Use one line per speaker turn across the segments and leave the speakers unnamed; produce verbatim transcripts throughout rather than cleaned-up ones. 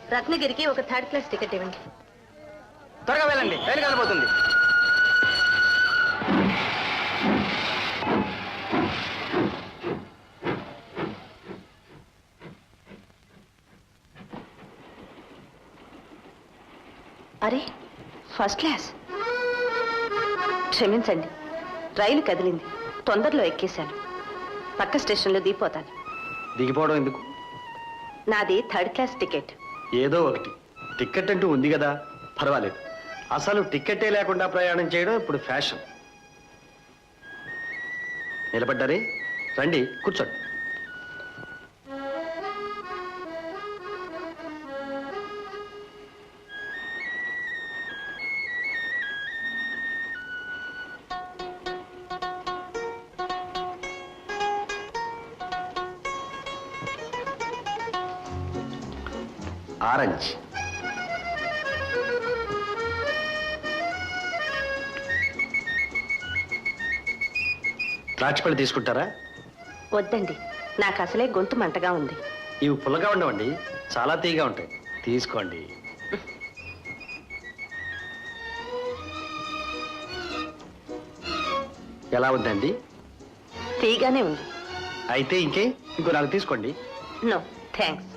రత్నగిరికి ఒక third class ticket ఇవ్వండి.
త్వరగా వెళ్ళండి, రైలు కలబోతుంది.
అరే, ఫస్ట్ క్లాస్. క్షమించండి, రైలు కదిలింది, తొందరలో ఎక్కేశాను. పక్క స్టేషన్లో దిగిపోతాను.
దిగిపోవడం ఎందుకు?
నాది థర్డ్ క్లాస్ టికెట్.
ఏదో ఒకటి, టికెట్ అంటూ ఉంది కదా, పర్వాలేదు. అసలు టికెటే లేకుండా ప్రయాణం చేయడం ఇప్పుడు ఫ్యాషన్. నిలబడ్డారే, రండి కూర్చోండి. ఆరెంజ్. ద్రాక్షపళ్ళు తీసుకుంటారా?
వద్దండి, నాకు అసలే గొంతు మంటగా ఉంది.
ఇవి పుల్లగా ఉండవండి, చాలా తీయగా ఉంటాయి. తీసుకోండి. ఎలా ఉందండి?
తీయగానే ఉంది.
అయితే ఇంకే ఇంకో నాలుగు తీసుకోండి.
No thanks.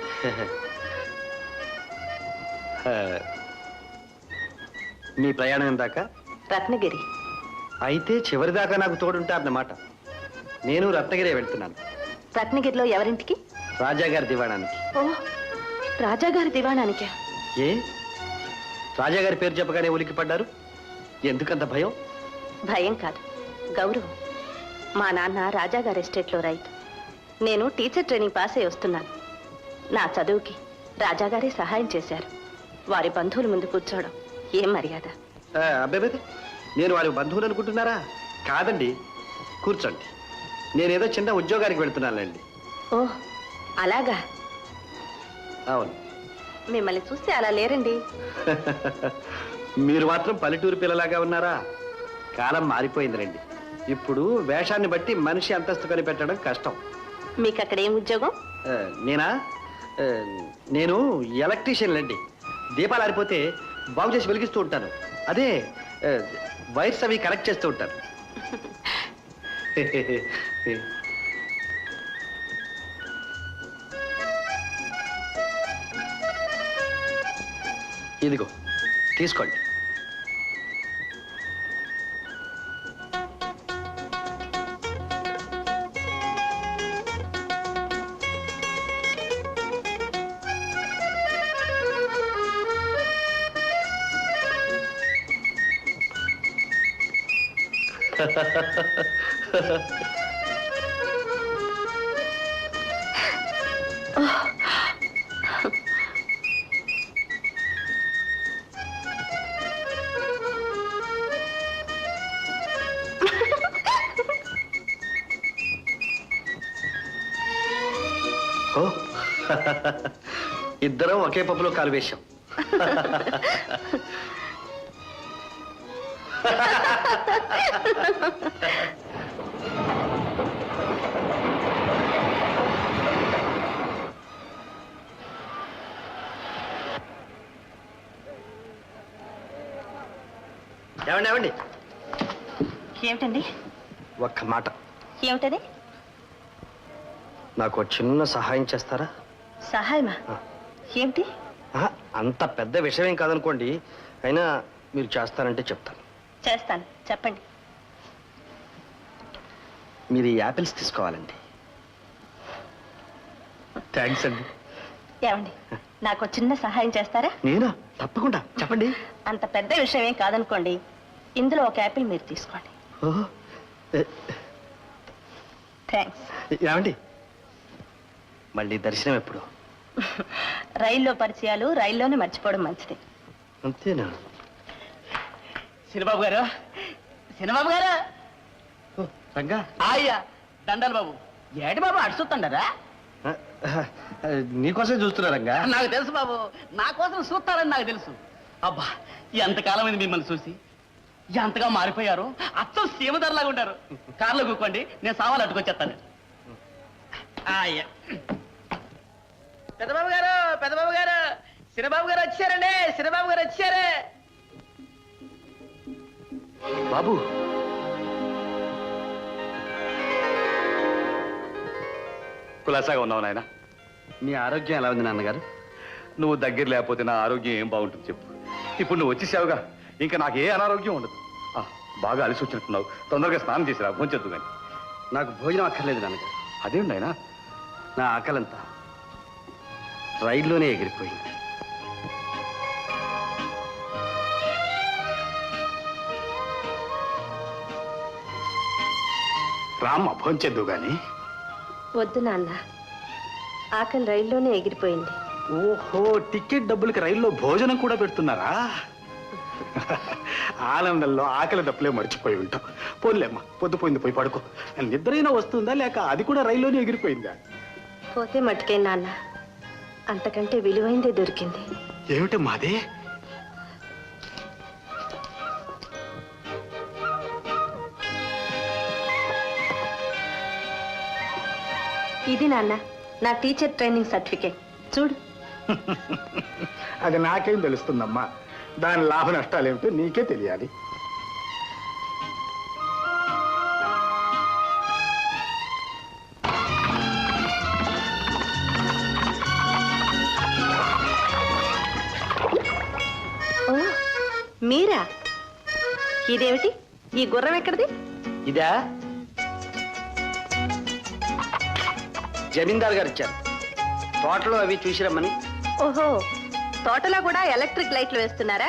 మీ ప్రయాణం ఎందాకా?
రత్నగిరి.
అయితే చివరి దాకా నాకు తోడుంటారన్నమాట. నేను రత్నగిరి వెళ్తున్నాను.
రత్నగిరిలో ఎవరింటికి?
రాజాగారి దివాణానికి.
ఓ, రాజాగారి దివాణానికా?
ఏ, రాజాగారి పేరు చెప్పగానే ఉలికి పడ్డారు, ఎందుకంత భయం?
భయం కాదు, గౌరవం. మా నాన్న రాజాగారి ఎస్టేట్లో రైతు. నేను టీచర్ ట్రైనింగ్ పాస్ అయి వస్తున్నాను. నా చదువుకి రాజాగారే సహాయం చేశారు. వారి బంధువుల ముందు కూర్చోవడం ఏం మర్యాద?
అబ్బాయి, నేను వారి బంధువులు అనుకుంటున్నారా? కాదండి, కూర్చోండి. నేనేదో చిన్న ఉద్యోగానికి వెళ్తున్నానండి.
ఓ, అలాగా?
అవును.
మిమ్మల్ని చూస్తే అలా లేరండి.
మీరు మాత్రం పల్లెటూరు పిల్లలాగా ఉన్నారా? కాలం మారిపోయింది రండి. ఇప్పుడు వేషాన్ని బట్టి మనిషి అంతస్తు కనిపెట్టడం కష్టం.
మీకు అక్కడ ఏం ఉద్యోగం?
నేనా? నేను ఎలక్ట్రీషియన్ అండి. దీపాలు ఆరిపోతే బాగు చేసి వెలిగిస్తూ ఉంటాను. అదే వైర్స్ అవి కనెక్ట్ చేస్తూ ఉంటాను. ఇదిగో తీసుకోండి. ఇద్దరం ఒకే పప్పులో కాలు వేశాం. ఏమండి ఏమండి
ఏమిటండి?
ఒక్క మాట.
ఏమిటది?
నాకు చిన్న సహాయం చేస్తారా?
సహాయమా? ఏమిటి?
అంత పెద్ద విషయం ఏం కాదనుకోండి, అయినా మీరు చేస్తానంటే చెప్తాను.
చేస్తాను, చెప్పండి.
మీరు ఈ యాపిల్స్ తీసుకోవాలండి. థ్యాంక్స్ అండి.
ఏమండి, నాకు చిన్న సహాయం చేస్తారా?
నేనా? తప్పకుండా, చెప్పండి.
అంత పెద్ద విషయం ఏం కాదనుకోండి, ఇందులో ఒక యాపిల్ మీరు తీసుకోండి. థ్యాంక్స్.
ఏమండి, మళ్ళీ దర్శనం ఎప్పుడు?
రైల్లో పరిచయాలు రైల్లోనే మర్చిపోవడం మంచిది.
అంతేనా?
సినిబాబు గారు, సినిబాబు గారు.
రంగా.
అయ్యా దండాలి బాబు. ఏటి బాబు అడుచుతుండరా?
నీకోసం చూస్తున్నా రంగా.
నాకు తెలుసు బాబు, నా కోసం చూస్తారని నాకు తెలుసు. అబ్బా, ఎంతకాలం అయింది మిమ్మల్ని చూసి. ఎంతగా మారిపోయారు, అచ్చం సీమధరలాగా ఉంటారు. కారులో కూకోండి, నేను సామాన్లు అట్టుకొచ్చేస్తాను. అయ్యా పెద్దబాబు గారు పెద్దబాబు గారు చిన్నబాబు గారు వచ్చారండి చిన్నబాబు గారు వచ్చారు.
బాబు
కులాసాగా ఉన్నావు నాయన.
మీ ఆరోగ్యం ఎలా ఉంది నాన్నగారు?
నువ్వు దగ్గర లేకపోతే నా ఆరోగ్యం ఏం బాగుంటుంది చెప్పు. ఇప్పుడు నువ్వు వచ్చేసావుగా, ఇంకా నాకు ఏ అనారోగ్యం ఉండదు. ఆ, బాగా అలసి వచ్చినట్టున్నావు, తొందరగా స్నానం చేసిరా, భోంచొద్దు కానీ.
నాకు భోజనం అక్కర్లేదు నాన్నగారు.
అదేంటి నాయనా?
నా ఆకలంతా రైల్లోనే ఎగిరిపోయింది.
రామ్మ భోంచొద్దు కానీ.
వద్దు నాన్న, ఆకలి రైల్లోనే ఎగిరిపోయింది.
ఓహో, టికెట్ డబ్బులకి రైల్లో భోజనం కూడా పెడుతున్నారా? ఆనందంలో ఆకలి దప్పులే మర్చిపోయి ఉంటాం. పోన్లేమ్మా, పొద్దుపోయింది, పోయి పడుకో. నిద్రైనా వస్తుందా లేక అది కూడా రైల్లోనే ఎగిరిపోయిందా?
పోతే మట్టుకే నాన్న, అంతకంటే విలువైందే దొరికింది.
ఏమిటి మాదే?
ఇది నాన్న నా టీచర్ ట్రైనింగ్ సర్టిఫికేట్, చూడు.
అది నాకేం తెలుస్తుందమ్మా, దాని లాభ నష్టాలేమిటో నీకే తెలియాలి.
ఓ, మీరా? ఇదేమిటి? ఈ గుర్రం ఎక్కడిది?
ఇదా జమీందార్ గారు ఇచ్చారు, తోటలో అవి చూసి రమ్మని.
ఓహో, తోటలో కూడా ఎలక్ట్రిక్ లైట్లు వేస్తున్నారా?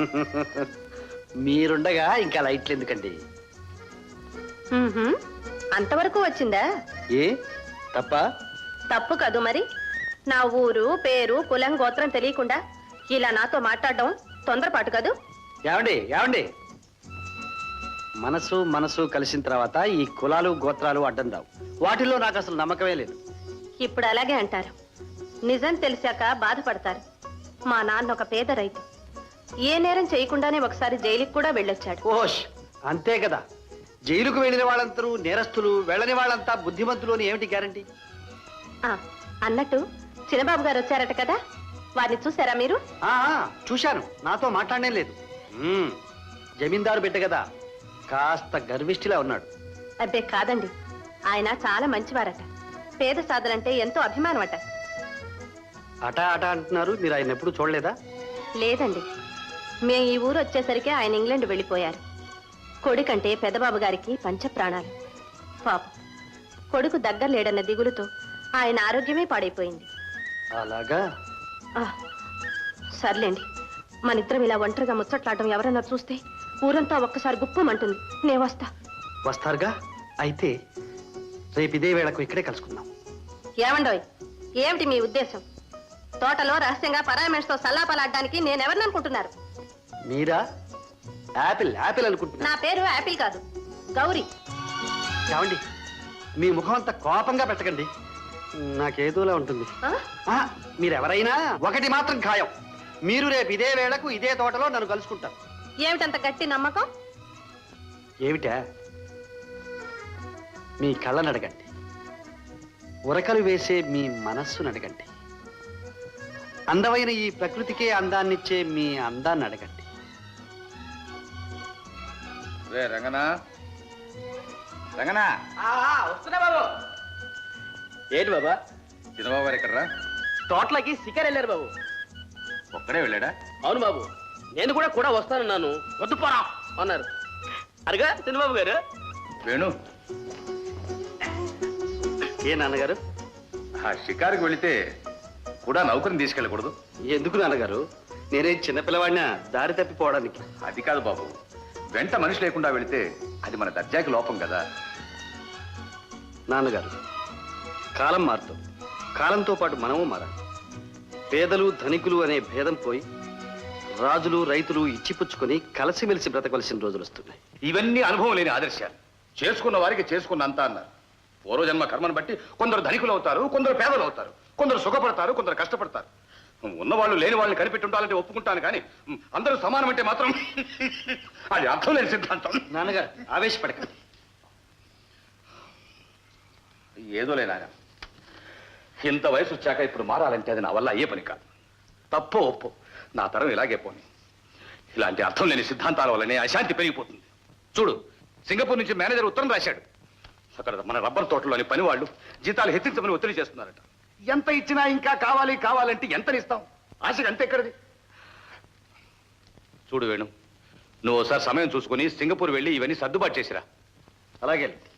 మీరుండగా ఇంకా లైట్లు ఎందుకండి?
మ్మ్హ్మ్. అంతవరకు వచ్చిందా?
ఏ తప్ప?
తప్పు కాదు మరి. నా ఊరు పేరు కులం గోత్రం తెలియకుండా ఇలా నాతో మాట్లాడడం తొందరపాటు కాదు.
ఏమండి ఏమండి మనసు మనసు కలిసిన తర్వాత ఈ కులాలు గోత్రాలు అడ్డం రావు. వాటిలో నాకు అసలు నమ్మకమే లేదు.
ఇప్పుడు అలాగే అంటారు, నిజం తెలిసాక బాధపడతారు. మా నాన్న ఒక పేద రైతు, ఏ నేరం చేయకుండానే ఒకసారి జైలుకి కూడా వెళ్ళొచ్చాడు.
ఓష్, అంతే కదా. జైలుకు వెళ్ళిన వాళ్ళందరూ నేరస్తులు, వెళ్ళని వాళ్ళంతా బుద్ధిమంతులు అని ఏమిటి గ్యారంటీ?
ఆ, అన్నట్టు చిన్నబాబు గారు వచ్చారట కదా, వారిని చూసారా మీరు?
ఆ, ఆ, చూశాను, నాతో మాట్లాడనే లేదు. మ్మ్, జమీందారు బిడ్డ కదా, కాస్త గర్విష్ఠిలా ఉన్నాడు.
అబ్బే కాదండి, ఆయన చాలా మంచివారట. పేద సాధనంటే ఎంతో అభిమానం అట.
అట అట అంటున్నారు, మీరు ఆయన ఎప్పుడు చూడలేదా?
లేదండి, మేము ఈ ఊరు వచ్చేసరికి ఆయన ఇంగ్లాండ్ వెళ్ళిపోయారు. కొడుకంటే పెద్దబాబు గారికి పంచ ప్రాణాలు. పాపం కొడుకు దగ్గర లేడన్న దిగులుతో ఆయన ఆరోగ్యమే పాడైపోయింది.
అలాగా?
ఆ, సర్లేండి, మనిద్దరం ఇలా ఒంటరిగా ముచ్చట్లాడడం ఎవరన్నా చూస్తే ఊరంతా ఒక్కసారి గుప్పమంటుంది. నే వస్తా.
వస్తారుగా? అయితే రేపు ఇదే వేళకు ఇక్కడే కలుసుకుందాం.
ఏమండోయ్, ఏమిటి మీ ఉద్దేశం? తోటలో రహస్యంగా పరాయి మనిషితో సల్లాపలాడడానికి నేనెవరిని అనుకుంటున్నారు?
మీరా? యాపిల్ యాపిల్ అనుకుంటున్నా.
నా పేరు యాపిల్ కాదు, గౌరీ.
ఏమండి, మీ ముఖం అంతా కోపంగా పెట్టకండి, నాకేదోలా ఉంటుంది.
ఆ?
ఆ, మీరెవరైనా ఒకటి మాత్రం ఖాయం, మీరు రేపు ఇదే వేళకు ఇదే తోటలో నన్ను కలుసుకుంటారు.
ఏమిటంత గట్టి నమ్మకం?
ఏమిటా? మీ కళ్ళను అడగండి, ఉరకలు వేసే మీ మనస్సును అడగండి, అందమైన ఈ ప్రకృతికే అందాన్నిచ్చే మీ అందాన్ని అడగండి.
రే రంగనా, రంగనా.
వస్తున్నా బాబు. ఏంటి బాబా?
చిన్నబాబు గారు ఎక్కడరా?
తోటలోకి శిఖర్ వెళ్ళారు బాబు.
ఒక్కడే వెళ్ళాడా?
అవును బాబు, నేను కూడా కూడా వస్తానన్నాను, వద్దు పోరా అన్నారు. అరగా చిన్నబాబు గారు.
వేణు,
ఏ నాన్నగారు?
ఆ షికారుకి వెళితే కూడా నౌకరిని తీసుకెళ్ళకూడదు?
ఎందుకు నాన్నగారు? నేనే చిన్నపిల్లవాడినా దారి తప్పిపోవడానికి?
అది కాదు బాబు, వెంట మనిషి లేకుండా వెళితే అది మన దర్జాకి లోపం కదా.
నాన్నగారు, కాలం మారుతుంది, కాలంతో పాటు మనము మారాలి. పేదలు ధనికులు అనే భేదం పోయి రాజులు రైతులు ఇచ్చిపుచ్చుకొని కలిసిమెలిసి బ్రతకవలసిన రోజులు వస్తున్నాయి.
ఇవన్నీ అనుభవం లేని ఆదర్శాలు. చేసుకున్న వారికి చేసుకున్న అంతా అన్నారు. పూర్వజన్మ కర్మను బట్టి కొందరు ధనికులు అవుతారు, కొందరు పేదలు అవుతారు, కొందరు సుఖపడతారు, కొందరు కష్టపడతారు. ఉన్నవాళ్ళు లేని వాళ్ళని కనిపెట్టి ఉండాలంటే ఒప్పుకుంటాను, కానీ అందరూ సమానం అంటే మాత్రం అది అర్థం లేని సిద్ధాంతం.
నాన్నగారు, ఆవేశపడకండి.
ఏదో లేనా, ఇంత వయసు వచ్చాక ఇప్పుడు మారాలంటే అది నా వల్ల అయ్యే పని కాదు. తప్పో ఒప్పో నా తరం ఇలాగే పోని. ఇలాంటి అర్థం లేని సిద్ధాంతాల వల్లనే అశాంతి పెరిగిపోతుంది. చూడు, సింగపూర్ నుంచి మేనేజర్ ఉత్తరం రాశాడు. అక్కడ మన రబ్బర్ తోటలోని పని వాళ్ళు జీతాలు హెచ్చించమని ఒత్తిడి చేస్తున్నారట. ఎంత ఇచ్చినా ఇంకా కావాలి కావాలంటే ఎంతనిస్తాం? ఆశకి అంతే ఎక్కడిది? చూడు వేణు, నువ్వు ఒకసారి సమయం చూసుకుని సింగపూర్ వెళ్ళి ఇవన్నీ సర్దుబాటు చేసిరా.
అలాగే